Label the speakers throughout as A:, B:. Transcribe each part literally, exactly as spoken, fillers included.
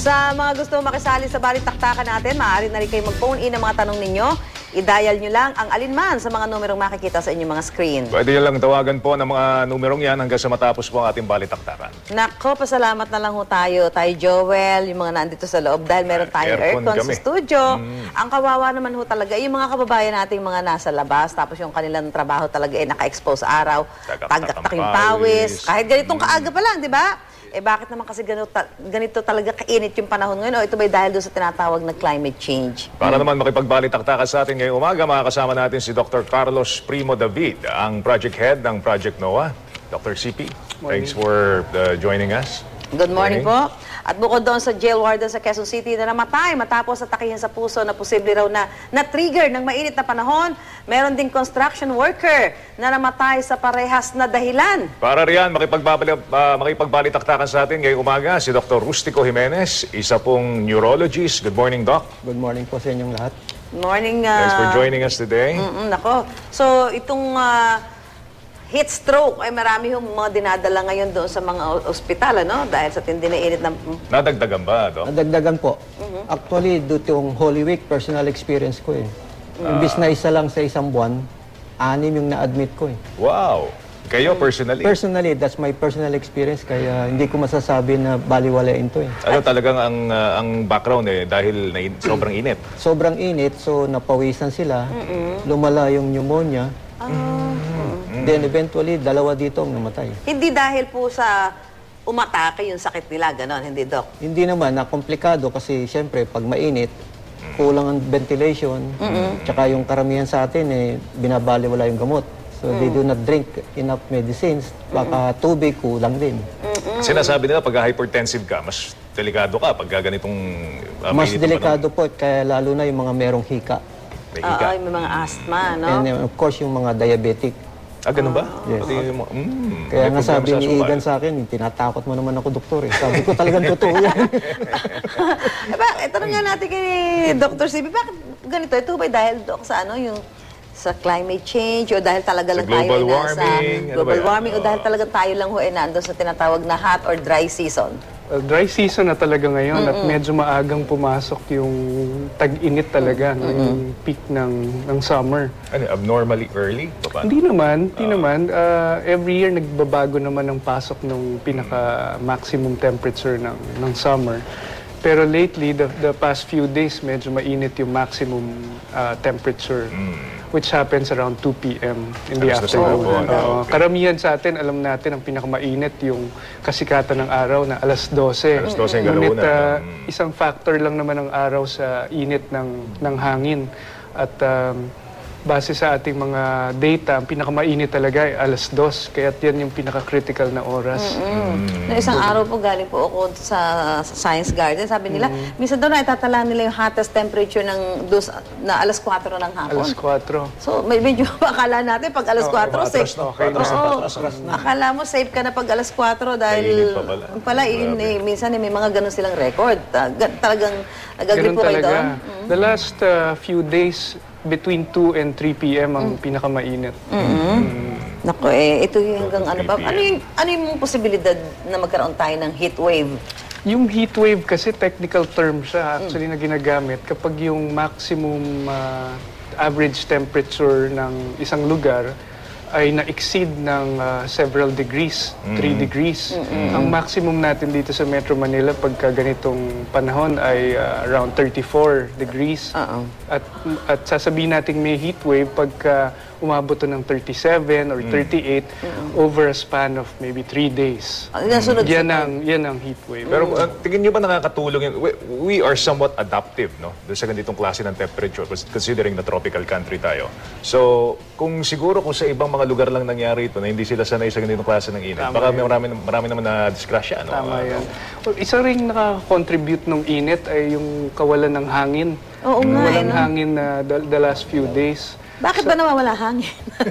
A: Sa mga gusto makisali sa balitaktakan natin, maaari na rin kayo mag-phone in ang mga tanong ninyo. I-dial nyo lang ang alinman sa mga numerong makikita sa inyong mga screen.
B: Pwede nyo lang tawagan po ng mga numerong yan hanggang sa matapos po ang ating balitaktakan.
A: Nako, pasalamat na lang ho tayo. Tayo, Joel, yung mga nandito sa loob dahil meron tayong aircon, aircon sa studio. Mm. Ang kawawa naman ho talaga, yung mga kababayan nating mga nasa labas, tapos yung kanilang trabaho talaga ay naka-expose sa araw, tagaktak yung pawis. Kahit ganitong mm. kaaga pa lang, di ba? Eh bakit naman kasi ganito, ganito talaga kainit yung panahon ngayon? O ito ba'y dahil doon sa tinatawag na climate change?
B: Para hmm. naman makipagbalitaktakan sa atin ngayong umaga, makakasama natin si Doctor Carlos Primo David, ang project head ng Project NOAA. Doctor C P, thanks for uh, joining us.
A: Good morning, morning po. At bukod doon sa jail warden sa Quezon City na namatay matapos atakihin sa puso na posible raw na na-trigger ng mainit na panahon, meron ding construction worker na namatay sa parehas na dahilan.
B: Para riyan, makipagbalik, uh, makipagbalitaktakan sa atin ngayong umaga si Doctor Rustico Jimenez, isa pong neurologist. Good morning, Doc.
C: Good morning po sa inyong lahat.
A: Good morning. Uh,
B: Thanks for joining us today.
A: Mm -mm, nako. So, itong uh, heat stroke ay marami yung mga dinadala ngayon doon sa mga ospital, ano? Dahil sa tindi na init ng...
B: Nadagdagan ba, Doc?
C: Nadagdagan po. Mm-hmm. Actually, dito yung Holy Week, personal experience ko eh. Uh, Imbis na isa lang sa isang buwan, anim yung na-admit ko eh.
B: Wow! Kayo, personally?
C: Personally, that's my personal experience, kaya hindi ko masasabi na baliwalain to eh.
B: Ano talagang ang, uh, ang background eh, dahil na in sobrang init?
C: Sobrang init, so napawisan sila, mm-hmm. lumala yung pneumonia,
A: ah.
C: mm-hmm. then eventually, dalawa dito ang namatay.
A: Hindi dahil po sa umatake yung sakit nila, ganon, hindi, Doc?
C: Hindi naman, na komplikado kasi siyempre, pag mainit, kulang ang ventilation, mm-hmm. tsaka yung karamihan sa atin eh, binabaliwala yung gamot. So, mm. they do not drink enough medicines. Baka mm. tubig, kulang din.
A: Mm -mm.
B: Sinasabi nila, pag hypertensive ka, mas delikado ka pag ganitong... Uh,
C: mas delikado po, kaya lalo na yung mga merong hika.
B: May hika.
A: Oo, may mga asthma, no?
C: And uh, of course, yung mga diabetic.
B: Ah, ganun ba?
C: Yes.
B: Pati, mm,
C: kaya nga sabi ni Igan sa akin, tinatakot mo naman ako, doktor eh. Sabi ko talagang totoo yan.
A: Bakit? Tanong nga natin kay Doctor C B, bakit ganito? Ito ba dahil, Doc, sa ano, yung... sa climate change o dahil talaga lang tayo ay nasa global warming o dahil talaga tayo lang ho ay nandun sa tinatawag na hot or dry season?
D: Well, dry season na talaga ngayon mm -mm. at medyo maagang pumasok yung tag-init talaga, mm -mm. no, yung peak ng, ng summer.
B: Ano, abnormally early?
D: Hindi naman, hindi uh, naman. Uh, every year nagbabago naman ang pasok ng pinaka-maximum temperature ng, ng summer. Pero lately, the, the past few days, medyo mainit yung maximum uh, temperature, mm. which happens around two P M in the
B: Alas
D: afternoon.
B: Oh,
D: uh,
B: okay.
D: Karamihan sa atin, alam natin, ang pinakamainit yung kasikatan ng araw na alas dose.
B: alas dose yung
D: Ngunit,
B: galaw
D: uh,
B: mm.
D: isang factor lang naman ng araw sa init ng, ng hangin. At um, base sa ating mga data, ang pinakamainit talaga ay alas dos. Kaya yan yung pinaka-critical na oras.
A: Mm -hmm. mm. Na isang araw po galing po ako sa, sa Science Garden. Sabi nila, mm. minsan doon ay tatala nila yung hottest temperature ng dos, na alas kwatro ng hapon.
D: alas kwatro.
A: So, may medyo akala natin pag alas kwatro, oh, safe.
D: Okay,
A: oh, oh, akala mo safe ka na pag alas kwatro dahil pa pala, pala in, eh, minsan eh, may mga ganun silang record. Uh, talagang nag-agree po kayo doon? Mm -hmm.
D: The last uh, few days, between two and three P M ang mm. pinakamainit.
A: Mm -hmm. mm. Naku, eh, ito yung hanggang ano ba? Ano yung, ano yung posibilidad na magkaroon tayo ng heat wave?
D: Yung heat wave kasi technical term siya actually mm. na ginagamit kapag yung maximum uh, average temperature ng isang lugar ay na-exceed ng uh, several degrees, mm. three degrees. Mm -hmm. Ang maximum natin dito sa Metro Manila pagka ganitong panahon ay uh, around thirty-four degrees. Uh -oh. At, at sasabihin natin may heat wave pagka umabot to ng thirty-seven or thirty-eight mm. over a span of maybe three days.
A: Mm.
D: Yan ang, yan ang heat wave.
B: Pero uh, tingin niyo ba nakakatulong yun? We, we are somewhat adaptive, no? Doon sa ganitong klase ng temperature, considering na tropical country tayo. So, kung siguro kung sa ibang mga lugar lang nangyari ito, na hindi sila sanay sa ganitong klase ng init, baka may marami, marami naman na disgrasya, no?
D: Tama yan. Well, isa rin nakakontribute ng init ay yung kawalan ng hangin.
A: Oo nga,
D: walang
A: eh, no?
D: hangin na uh, the, the last few days.
A: Bakit ba nawawala hangin?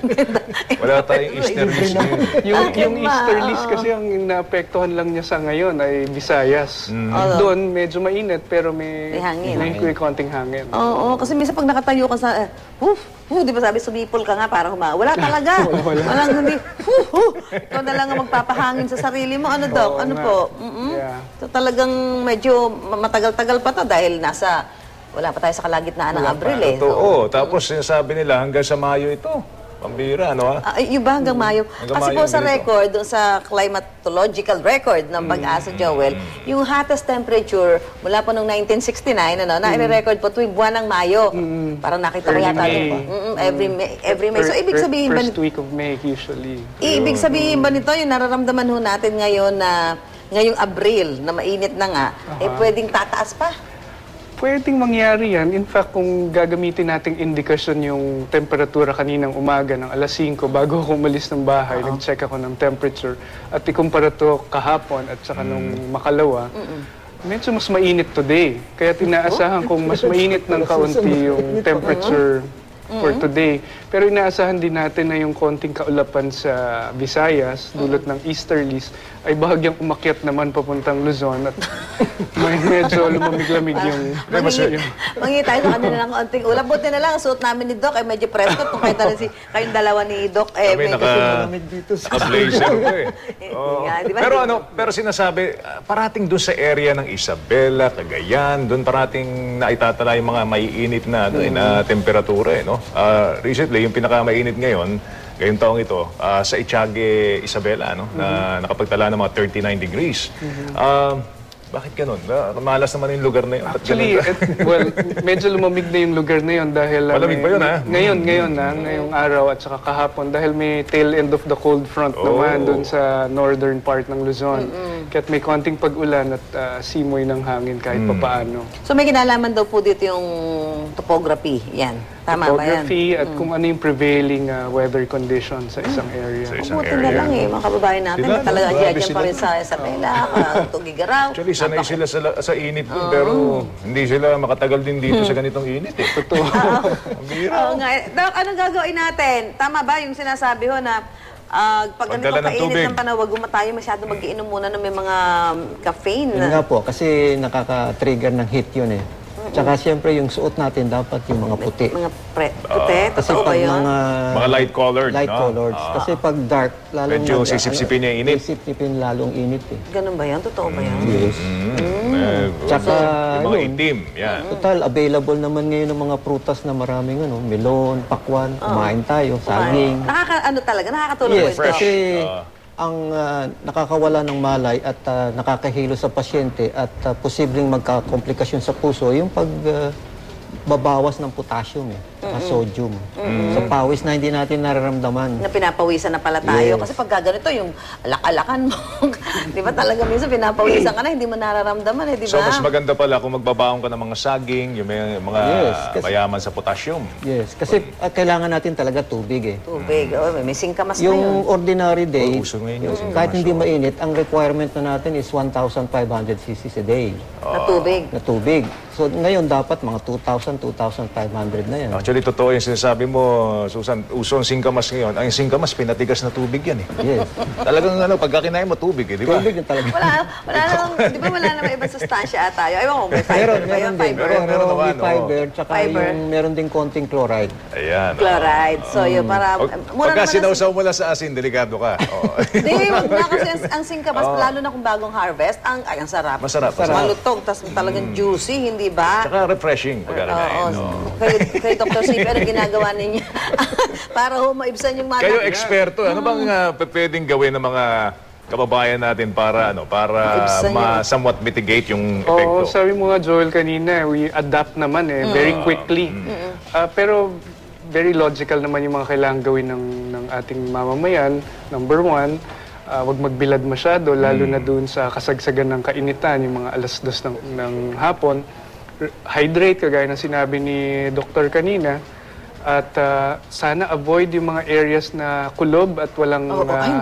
B: Wala tayong easterlies ngayon.
D: Yung,
A: Bakit
D: yung
A: ba?
D: easterlies
A: Oo.
D: kasi ang naapektuhan lang niya sa ngayon ay Visayas.
A: Oo.
D: Doon medyo mainit pero may,
A: May hangin.
D: may, may konting hangin.
A: Oo, kasi minsan pag nakatayo ka sa, uh, huf, huf, di ba sabi, sumipol ka nga para huma. Wala talaga. Walang hindi, huf, huf. Ikaw na lang ang magpapahangin sa sarili mo. Ano, Doc?
D: Oo
A: Ano
D: nga.
A: po? Mm-mm.
D: Yeah.
A: So talagang medyo matagal-tagal pa to dahil nasa, wala pa tayo sa kalagitnaan ng Abril eh. So,
B: Totoo. Tapos sinasabi nila hanggang sa Mayo ito. Pambira, ano ha?
A: Ah, yung ba hanggang Mayo?
B: Hanggang
A: Kasi
B: Mayo
A: po sa
B: ganito.
A: record, doon sa climatological record ng Pag-asa Joel, yung hottest temperature mula po noong nineteen sixty-nine, ano, na i-record po tuwing buwan ng Mayo. Parang nakita ko
D: Early
A: yata
D: May.
A: doon po. Mm-mm, every May. Every May. So,
D: Fir-
A: ibig
D: fir-
A: sabihin ba,
D: First week of May usually.
A: ibig sabihin ba nito, yung nararamdaman ho natin ngayon na ngayong Abril, na mainit na nga, eh pwedeng tataas pa?
D: Pwedeng mangyari yan. In fact, kung gagamitin nating indikasyon yung temperatura kaninang umaga ng alas singko bago ako umalis ng bahay, nag-check ako ng temperature at ikumpara to kahapon at saka nung makalawa, medyo mas mainit today. Kaya tinaasahan kong mas mainit ng kaunti yung temperature for today. Pero inaasahan din natin na yung konting kaulapan sa Visayas, dulot ng easterlies, ay bahagyang umakyat naman papuntang Luzon at may medyo lumamig-lamig yung...
A: Mangingi, mangingi tayo sa kanila ng konting ulam. Buti na lang, ang suot namin ni Doc ay medyo presko. Kung kayo talaga si, kayong dalawa ni Doc, eh,
B: Kami
A: medyo
B: naka,
C: dito sa...
B: naka-blazer ko eh.
A: Eh,
B: Oo.
A: nga, di ba?
B: Pero ano, pero sinasabi, ah, parating doon sa area ng Isabela, Cagayan, doon parating naitatala yung mga maiinit na, ano, eh, na temperatura eh, no? Ah, recently, yung pinakamainit ngayon, ngayong taong ito, ah, sa Itiague, Isabela, no? Na nakapagtala ng mga thirty-nine degrees. Ah, bakit ganun? Ah, malas naman yung lugar na yun. Ba't
D: Actually,
B: ganun?
D: et, well, medyo lumamig na yung lugar na yun dahil... uh,
B: Malamig
D: may-
B: ba yun, ha?
D: Ngayon, ngayon na, ngayong araw at saka kahapon dahil may tail end of the cold front
B: Oh.
D: naman doon sa northern part ng Luzon. Kaya't may konting pag-ulan at uh, simoy ng hangin kahit papaano.
A: So may kinalaman daw po dito yung topography. Yan. Tama ba yan?
D: Topography at kung ano yung prevailing uh, weather condition sa isang area.
B: Sa isang
A: Buti na
B: area.
A: lang eh, mga kababayan natin.
B: Sila,
A: Talaga
B: no?
A: dyan
B: Grabe
A: dyan pa
B: sila.
A: rin sa Isabela, Tugigaraw.
B: Actually, sanay sila sa, sa init dun, pero hindi sila makatagal din dito sa ganitong init eh. Totoo. Ang bira.
A: Oo nga. eh. Doc, anong gagawin natin? Tama ba yung sinasabi ho na ah, pag
B: Pagdala
A: ganito
B: ng
A: kainit
B: tubig.
A: ng panahon, wag mo tayo masyado mag-iinom muna ng may mga caffeine.
C: Yun nga po, kasi nakaka-trigger ng heat yun eh. Tsaka siyempre yung suot natin dapat yung mga puti.
A: Mga pre, puti,
C: Kasi
A: totoo ba
C: pag
A: yun?
C: mga
B: Mga light colored,
C: light
B: no?
C: colored.
B: Ah.
C: Kasi pag dark, lalong
B: Medyo
C: nag-
B: sisipsipin niya yung init.
C: Sisipsipin lalong init eh.
A: Ganun ba yan? Totoo ba yan?
C: Yes.
B: Mm. Eh,
C: Tsaka,
B: yung mga
C: yun.
B: itim, yan.
C: Total, available naman ngayon ng mga prutas na maraming ano, melon, pakwan, kumain tayo, saging.
A: Nakaka, ano talaga, nakakatulong
C: Yes,
A: po ito.
C: kasi
B: Ah.
C: ang ah, nakakawala ng malay at ah, nakakahilo sa pasyente at ah, posibleng magkakomplikasyon sa puso, yung pag ah, babawas ng potassium eh, at sodium. Sa pawis na hindi natin nararamdaman.
A: Na pinapawisan na pala tayo.
C: Yes.
A: Kasi pag ganito, yung alak-alakan mo. Di ba talaga minsan pinapawisan ka na, hindi mo nararamdaman eh, di
B: So,
A: ba?
B: mas maganda pala kung magbabaon ka ng mga saging, yung may, mga
C: Yes, kasi-
B: mayaman sa potassium.
C: Yes, kasi ah, kailangan natin talaga tubig eh.
A: Tubig. Oh, may singkamas na yun.
C: Yung ordinary day,
B: Oh, uso ngayon yung
C: kahit hindi mainit, ang requirement na natin is one thousand five hundred cc's a day
A: Na tubig.
C: na tubig. So ngayon dapat mga two thousand, two thousand five hundred na yan.
B: Actually, totoo yung sinasabi mo, Susan, uso ang singkamas ngayon. Ang singkamas, pinatigas na tubig yan eh.
C: Yes.
B: Talagang ano, pagka kinain mo tubig eh, di ba?
C: Tubig na talaga.
A: Wala, wala namang, di ba wala namang ibang sustansya tayo? Ewan ko, may fiber
C: Meron,
A: ba yun?
C: meron din.
A: Fiber.
B: Meron, meron naman,
C: may
B: oo.
C: fiber, tsaka
A: Fiber.
C: yung meron din konting chloride.
B: Ayan. oh.
A: Chloride. So, yun, para...
B: Pag,
A: mura
B: pagka
A: naman ang-
B: sinausaw mo lang sa asin, delikado ka. Oo.
A: Hindi, wag na kasi ang, ang singkamas, lalo na kung bagong harvest, ang, ay, ang sarap.
B: Masarap, masarap.
A: Malutong, tas talagang juicy, hindi ba?
B: Tsaka refreshing pagka
A: Oo.
B: kinain. oo.
A: Kayo, kayo, Doctor Sipe, ano ginagawa ninyo? Para ho maibsan yung mga...
B: Kayo eksperto, ano bang uh, pwedeng gawin ng mga kababayan natin para ano para
A: Maibsan
B: ma somewhat mitigate yung
D: Oo,
B: epekto?
D: sabi mo nga Joel kanina, we adapt naman eh, very quickly. Ah, pero very logical naman yung mga kailangan gawin ng, ng ating mamamayan. Number one, ah, wag magbilad masyado, lalo na doon sa kasagsagan ng kainitan, yung mga alas dos ng, ng hapon. R- Hydrate, kagaya ng sinabi ni Doktor kanina. At ah, sana avoid yung mga areas na kulob at walang
A: Oo, ay,
D: ah,
A: naku.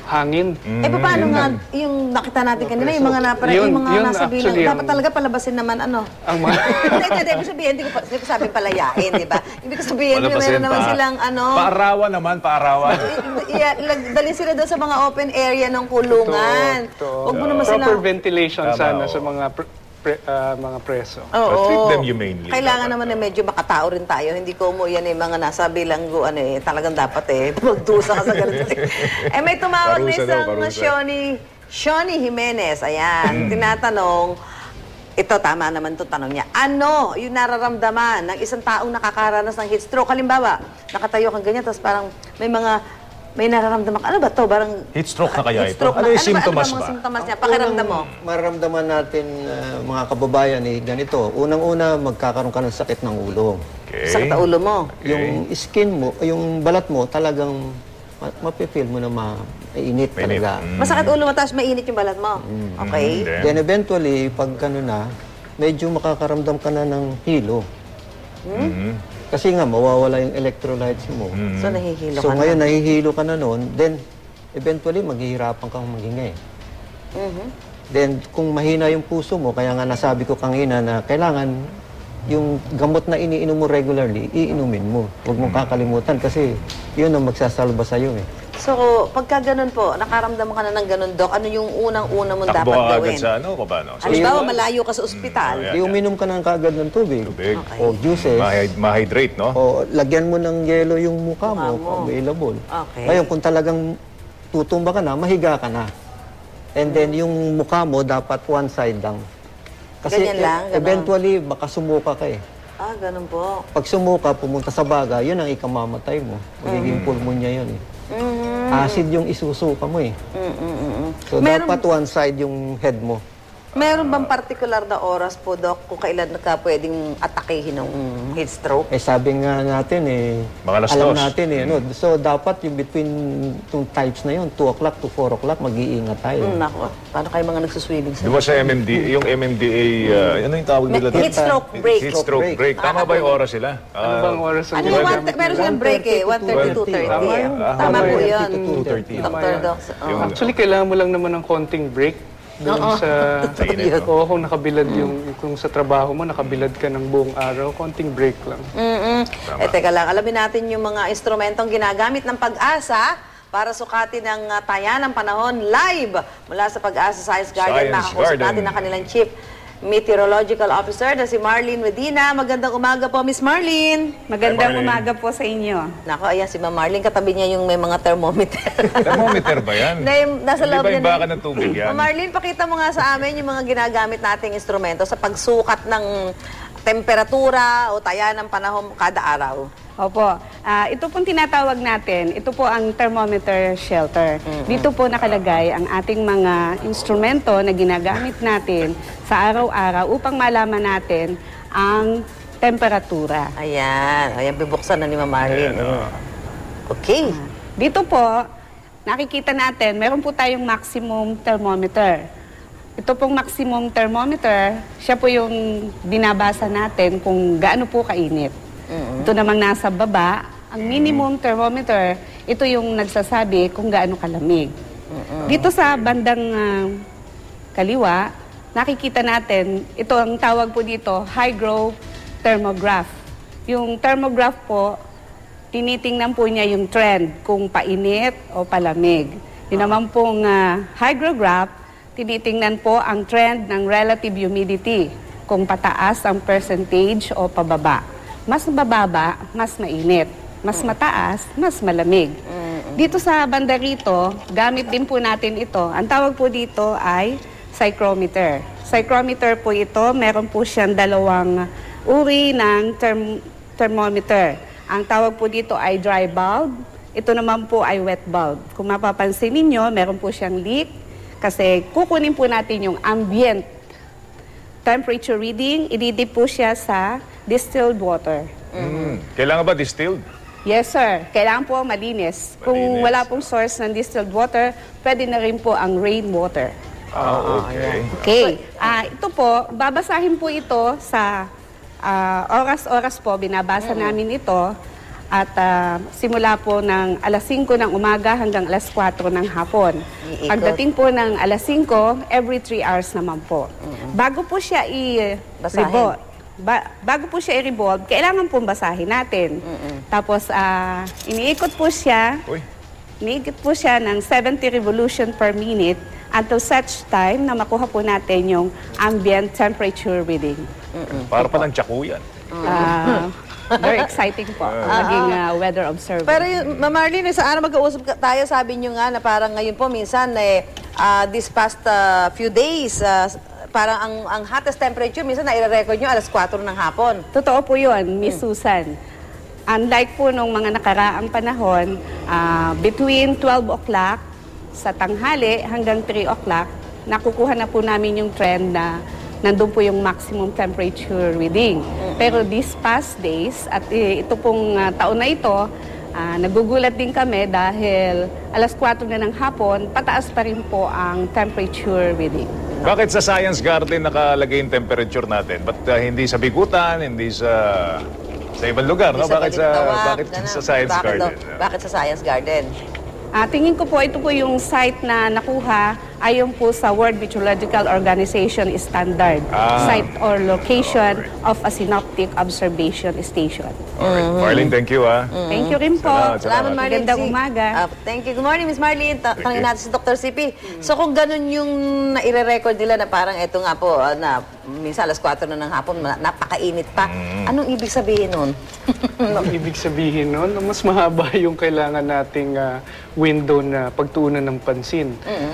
D: hangin.
A: Eh, paano nga yung nakita natin kanina, yung mga, napara,
D: Yun-
A: yung mga
D: yun
A: nasa bilang,
D: actually
A: dapat
D: ang-
A: talaga palabasin naman, ano?
D: Ang mga...
A: Hindi, hindi, ibig sabihin, hindi ko, pa- hindi ko sabing palayain, di ba? Ibig ko sabihin,
B: Wala pa
A: meron
B: siya,
A: naman
B: pa-
A: silang, ano,
B: Paarawan naman, paarawan.
A: yeah, dalhin sila doon sa mga open area ng kulungan.
D: Totoo.
A: Huwag mo naman sila...
D: Proper ventilation
B: Tama,
D: sana
B: oo.
D: sa mga pre- pre- ah, mga preso.
A: Oo.
B: But treat them humanely.
A: Kailangan
B: Dapat.
A: naman na medyo makatao rin tayo. Hindi ko mo yan eh, mga nasa bilanggo, ano eh, talagang dapat eh, magdusa ka sa ganito. eh, may tumawag na
B: Parusa daw,
A: isang
B: parusa.
A: Shoni, Shoni Jimenez, ayan, tinatanong, ito, tama naman itong tanong niya. Ano yung nararamdaman ng isang taong nakakaranas ng heat stroke? Halimbawa, nakatayo kang ganyan, tapos parang may mga, may nararamdaman. Ano ba to? Parang,
B: Heat stroke na kaya
A: heat
B: ito?
A: stroke
B: Ano
A: na-
B: yung symptoms
A: ano ba?
B: ba?
A: Ano symptoms niya? Pakiramdam mo.
C: Unang mararamdaman natin, uh, mga kababayan, eh, ganito. Unang-una, magkakaroon ka ng sakit ng ulo.
B: Okay.
A: Sakit ang ulo mo.
C: Yung skin mo, yung balat mo, talagang ma- mapipil mo na mainit
B: Mainit.
C: talaga.
B: Mm.
A: Masakit ulo mo, tapos mainit yung balat mo. Okay?
B: Then,
C: Then eventually, pag ano na, medyo makakaramdam ka na ng hilo.
B: mhm.
C: Kasi nga, mawawala yung electrolytes mo.
A: So, nahihilo
C: So
A: ka
C: ngayon,
A: na.
C: nahihilo ka na noon, then eventually, maghihirapan kang maghinga eh.
A: Mhm.
C: Then, kung mahina yung puso mo, kaya nga nasabi ko kanina na kailangan yung gamot na iniinom mo regularly, iinumin mo. Huwag mong kakalimutan kasi yun ang magsasalba sa'yo eh.
A: So, pagka ganun po, nakaramdam ka na ng ganun, Doc, ano yung unang-una mong
B: Takbo
A: dapat
B: ka agad
A: gawin?
B: sa ano ko ba? No? Sa
A: Halimbawa, malayo ka sa ospital.
B: Mm,
C: Di uminom ka ng kagad ng tubig.
B: tubig.
A: Okay.
C: O juices.
B: Ma- ma-hydrate, no?
C: O lagyan mo ng yelo yung mukha
A: Mukha
C: mo,
A: mo.
C: available.
A: Okay.
C: Ngayon, kung talagang tutumba ka na, mahiga ka na. And then, yung mukha mo, dapat one side lang.
A: Ganyan lang,
C: e-
A: ganon.
C: eventually, baka sumuka ka eh.
A: Ah, ganun po.
C: Pag sumuka, pumunta sa baga, yun ang ikamamatay mo. Magiging pulmonya yun eh.
A: Mhm.
C: Acid yung isusuka mo eh.
A: Mm, mm, mm, mm.
C: So,
A: Meron-
C: dapat one side yung head mo.
A: Meron bang particular na oras po, Doc, kung kailan ka pwedeng atakehin ng heat stroke?
C: Eh, sabi nga natin eh,
B: Mga alas
C: alam
B: dos.
C: natin eh. Ano? So, dapat yung between yung types na yun, two o'clock to four o'clock, mag-iingat tayo.
A: Mm, nako, paano kayo mga nagsuswimming sa...
B: Di ba sa M M D, yung M M D A, uh, ano yung tawag nila? doon?
A: Heat stroke break.
B: Heat stroke
C: break.
B: break. Tama ba yung oras sila?
D: Ano
B: Ah,
D: bang oras ang
A: Ano yung
D: ginagamit
A: one, meron silang break eh, one thirty to two thirty.
D: Tama yun.
B: Ah,
A: Tama po
C: one thirty
A: yun.
C: to two thirty.
A: Doctor Doc. oh.
B: Yung-
D: Actually, kailangan mo lang naman ng konting break doon sa...
B: Mainit, no?
D: Oo, kung nakabilad yung... Kung sa trabaho mo, nakabilad ka ng buong araw, konting break lang.
A: Mm-mm. Eh, teka lang, alamin natin yung mga instrumentong ginagamit ng Pag-asa para sukatin ang uh, taya ng panahon live mula sa Pag-asa Science Garden.
B: Science
A: Makakausap
B: Garden.
A: natin ang kanilang Chief Meteorological Officer na si Marlene Medina. Magandang umaga po, Miss Marlene.
E: Magandang
B: Marlene.
E: umaga po sa inyo.
A: Nako, ayan si Ma'am Marlene. Katabi niya yung may mga thermometer.
B: Thermometer ba yan?
A: Na yung nasa
B: Hindi
A: loob
B: ba
A: niya
B: yung
A: na-
B: baka ng tubig yan?
A: Ma'am Marlene, pakita mo nga sa amin yung mga ginagamit nating instrumento sa pagsukat ng temperatura o taya ng panahon kada araw.
E: Opo. Ah, ito pong tinatawag natin, ito po ang thermometer shelter. Dito po nakalagay ang ating mga instrumento na ginagamit natin sa araw-araw upang malaman natin ang temperatura.
A: Ayan. Ayan, bibuksan na ni Ma'am Marlene.
B: Ayan, oh.
A: Okay.
E: Dito po, nakikita natin, meron po tayong maximum thermometer. Ito pong maximum thermometer, siya po yung binabasa natin kung gaano po kainit. Ito namang nasa baba, ang minimum thermometer, ito yung nagsasabi kung gaano kalamig. Dito sa bandang ah, kaliwa, nakikita natin, ito ang tawag po dito, hygrothermograph thermograph. Yung thermograph po, tinitingnan po niya yung trend, kung painit o palamig. Yun naman pong uh, hygrograph, tinitingnan po ang trend ng relative humidity, kung pataas ang percentage o pababa. Mas mababa, mas mainit. Mas mataas, mas malamig. Dito sa banda rito, gamit din po natin ito. Ang tawag po dito ay psychrometer. Psychrometer po ito, meron po siyang dalawang uri ng therm- thermometer. Ang tawag po dito ay dry bulb. Ito naman po ay wet bulb. Kung mapapansin ninyo, meron po siyang leak kasi kukunin po natin yung ambient temperature reading. Ididip po siya sa distilled water.
B: Mm. Kailangan ba distilled?
E: Yes, sir. Kailangan po malinis. Kung
B: Malinis.
E: wala pong source ng distilled water, pwede na rin po ang rainwater.
B: Ah, okay.
E: Okay. Ah, ito po, babasahin po ito sa ah, oras-oras po, binabasa namin ito. At ah, simula po ng alas singko ng umaga hanggang alas kwatro ng hapon.
A: Iikot.
E: Pagdating po ng alas singko, every three hours naman po. Bago po siya i-revolve, ba- bago po siya i-revolve, kailangan pong basahin natin. Tapos, ah, iniikot po siya,
B: Uy.
E: iniikot po siya ng seventy revolution per minute until such time na makuha po natin yung ambient temperature reading.
B: Para palang tsakuyan.
E: Ah, very exciting po ang maging ah, weather observer.
A: Pero yung, Ma'am Marlene, sa ano mag-uusap ka- tayo, sabi nyo nga na parang ngayon po minsan, eh, ah, this past ah, few days, ah, parang ang, ang hottest temperature, minsan na-record nyo alas kwatro ng hapon.
E: Totoo po yun, Miss Susan. Unlike po nung mga nakaraang panahon, ah, between twelve o'clock sa tanghali hanggang three o'clock, nakukuha na po namin yung trend na nandun po yung maximum temperature reading. Pero these past days, at eh, ito pong ah, taon na ito, ah, nagugulat din kami dahil alas kwatro na ng hapon, pataas pa rin po ang temperature reading.
B: Bakit sa Science Garden nakalagay yung temperature natin? Ba't uh, hindi sa Bikutan, hindi sa sa ibang lugar, no?
A: Hindi sa
B: Bakit sa
A: Balintawak,
B: bakit
A: ganun.
B: sa Science
A: Bakit
B: Garden?
A: daw- bakit sa Science Garden?
E: Ah, tingin ko po, ito po yung site na nakuha ayon po sa World Meteorological Organization standard.
B: Ah.
E: Site or location of a synoptic observation station.
B: Alright. Marlene, thank you, ah.
E: Thank you rin po.
B: Salamat,
A: Salamat, Marlene.
E: Magandang
A: Si-
E: umaga.
A: Ah, thank you. Good morning, Miss Marlene. Ta- Tangin natin si Doctor C P. So kung ganun yung naire-record nila na parang eto nga po, ah, na minsan alas kwatro na ng hapon, na- napakainit pa. Anong ibig sabihin nun?
D: Ang ibig sabihin nun, mas mahaba yung kailangan nating ah, window na pagtuunan ng pansin.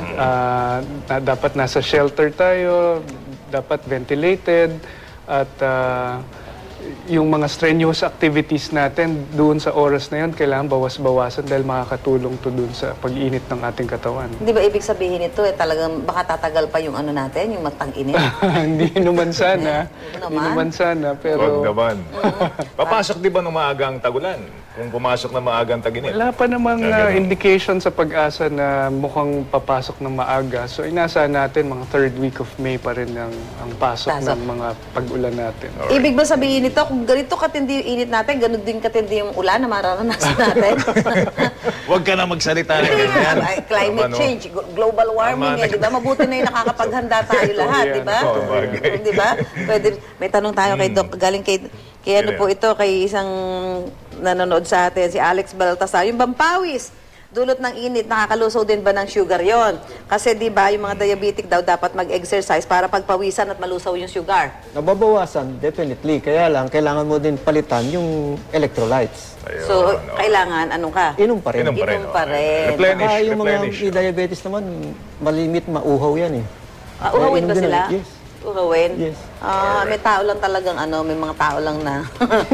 D: Ah, na, dapat nasa shelter tayo, dapat ventilated, at ah, yung mga strenuous activities natin doon sa oras na yun, kailangan bawas-bawasan dahil makakatulong to doon sa pag-init ng ating katawan.
A: Hindi ba ibig sabihin ito, eh, talagang baka tatagal pa yung ano natin, yung matang-init?
D: Hindi naman sana.
A: Hindi
D: Hindi
A: naman.
D: naman sana,
B: Huwag
D: pero
B: naman. Papasok di ba ng maagang tagulan? Kung pumasok ng maagang taginit?
D: wala pa namang
B: Ah,
D: uh,
B: ganun.
D: indication sa pag-asa na mukhang papasok ng maaga. So inasa natin mga third week of May pa rin ang, ang pasok
A: Pasok.
D: ng mga pag-ulan natin.
A: Ibig ba sabihin nito, kung ganito katindi yung init natin, ganun din katindi yung ulan na mararanasan natin?
B: Huwag ka na magsalita ng
A: Hindi
B: ganyan.
A: nga, ay, climate
B: Tama, no?
A: change, glo- global warming,
B: Tama
A: eh, di ba? Mabuti na yung nakakapaghanda tayo lahat, di ba?
B: Oo, bagay.
A: Di ba? Pwede, may tanong tayo kay Doc, galing kay, kay ano
B: Sino
A: po
B: yan?
A: ito, kay isang nanonood sa atin, si Alex Baltasar. Yung bampawis, dulot ng init, nakakalusaw din ba ng sugar yon? Kasi di ba, yung mga diabetic daw dapat mag-exercise para pagpawisan at malusaw yung sugar.
C: Nababawasan, definitely. Kaya lang, kailangan mo din palitan yung electrolytes.
B: Ayun,
A: So,
B: no.
A: kailangan, anong ka?
C: Inom pa rin.
B: Inom pa rin.
A: Inom pa
B: okay.
A: rin.
B: Replenish,
C: Saka yung mga
B: replenish.
C: may diabetes naman, malimit mauhaw yan eh.
A: Ah, uhawin
C: Inom
A: ba
C: din
A: sila?
C: ulit, yes.
A: Uhawin?
C: Yes.
A: Ah, may tao lang talagang ano, may mga tao lang na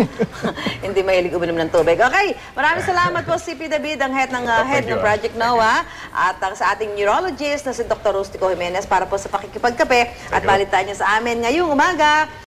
A: hindi mahilig uminom ng tubig. Okay, maraming salamat po si P. David, ang head ng uh, head
B: Thank you,
A: ng
B: ah.
A: Project NOAA, at ang sa ating neurologist na si Doctor Rustico Jimenez para po sa pakikipagkape at
B: you.
A: balitaan niya sa amin ngayong umaga.